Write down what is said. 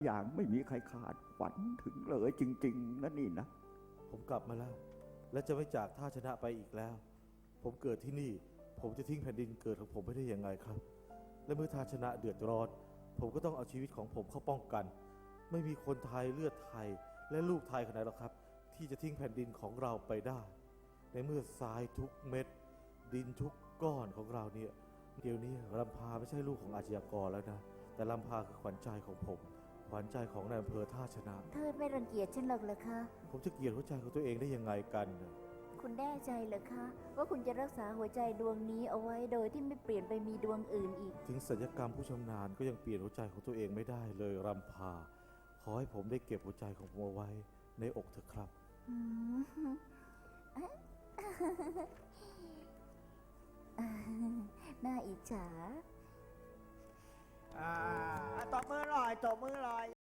อย่างไม่มีใครคาดฝันถึงเลยจริงๆนะนี่นะผมกลับมาแล้วและจะไม่จากท่าชนะไปอีกแล้วผมเกิดที่นี่ผมจะทิ้งแผ่นดินเกิดของผมไม่ได้ยังไงครับและเมื่อท่าชนะเดือดร้อนผมก็ต้องเอาชีวิตของผมเข้าป้องกันไม่มีคนไทยเลือดไทยและลูกไทยคนไหนหรอกครับที่จะทิ้งแผ่นดินของเราไปได้ในเมื่อทรายทุกเม็ดดินทุกก้อนของเราเนี่ยเดี๋ยวนี้ลำพาไม่ใช่ลูกของอาชญากรแล้วนะแต่ลำพาคือขวัญใจของผมขวัญใจของนายอำเภอท่าชนะเธอไม่รังเกียจฉันหรอกเหรอคะผมจะเกลียดหัวใจของตัวเองได้ยังไงกันคุณแน่ใจเหรอคะว่าคุณจะรักษาหัวใจดวงนี้เอาไว้โดยที่ไม่เปลี่ยนไปมีดวงอื่นอีกถึงศัลยกรรมผู้ชำนาญก็ยังเปลี่ยนหัวใจของตัวเองไม่ได้เลยรำพาขอให้ผมได้เก็บหัวใจของผมเอาไว้ในอกเถอะครับน่าอิจฉาตบมือหน่อยตบมือหน่อย